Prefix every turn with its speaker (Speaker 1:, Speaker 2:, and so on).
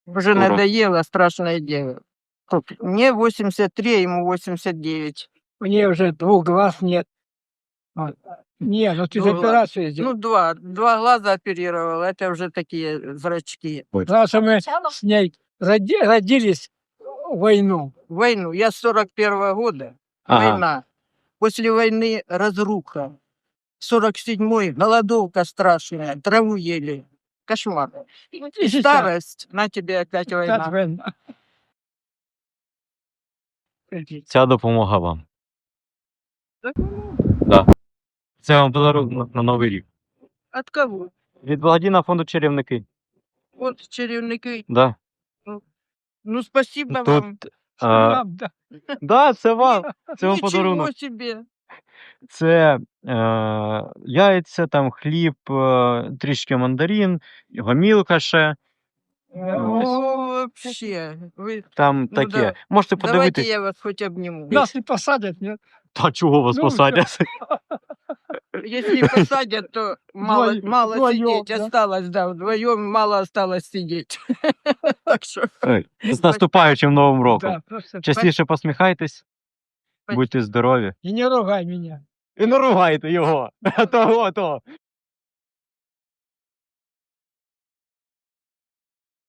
Speaker 1: Уже
Speaker 2: Здорово.
Speaker 1: надоело, страшное дело. Мне 83, ему 89.
Speaker 3: Мне уже 2 глаз нет. Вот. Не, ну ты же
Speaker 1: 2 глаза.
Speaker 3: операцию
Speaker 1: Ну,
Speaker 3: сделал.
Speaker 1: 2 глаза оперировал, это уже такие зрачки.
Speaker 3: Потому что мы с ней родились в войну.
Speaker 1: Войну. Я с 41-го года.
Speaker 2: Ага.
Speaker 1: Война. После войны разруха. 47-й голодовка страшная, траву ели. Кошмар.
Speaker 3: И
Speaker 1: И
Speaker 3: сейчас
Speaker 1: старость, на тебе опять
Speaker 3: опять
Speaker 1: война.
Speaker 3: война.
Speaker 2: Ця допомога вам.
Speaker 1: Так,
Speaker 2: Да. Це вам подарунок на Новий рік.
Speaker 1: от кого?
Speaker 2: Від благодійного фонду «Чарівники».
Speaker 1: Вот чарівники.
Speaker 2: Да.
Speaker 1: Ну, спасибо
Speaker 2: Тут,
Speaker 1: вам.
Speaker 3: Нам, да.
Speaker 2: да, це вам. Це вам
Speaker 1: Ничего
Speaker 2: подарунок.
Speaker 1: себе.
Speaker 2: Це яйця, там хліб, трішки мандарин, гомілка ще.
Speaker 1: О, вообще. Вы...
Speaker 2: Там
Speaker 1: Ну
Speaker 2: таке.
Speaker 1: да.
Speaker 2: Можете
Speaker 1: Давайте
Speaker 2: подивитись.
Speaker 1: я вас хоть обниму.
Speaker 3: Нас не посадят, нет?
Speaker 2: Та чого вас
Speaker 3: Ну,
Speaker 2: посадять?
Speaker 1: Если посадят, то мало
Speaker 3: Вдвоем,
Speaker 1: сидеть
Speaker 3: да.
Speaker 1: осталось, да, вдвоем мало осталось сидеть. Так что
Speaker 2: Ой, з наступаючим Новим роком.
Speaker 3: Да, просто.
Speaker 2: Частіше посміхайтесь,
Speaker 1: Спасибо.
Speaker 2: будьте здорові.
Speaker 3: И не ругай меня.
Speaker 2: І не ругайте його. Того.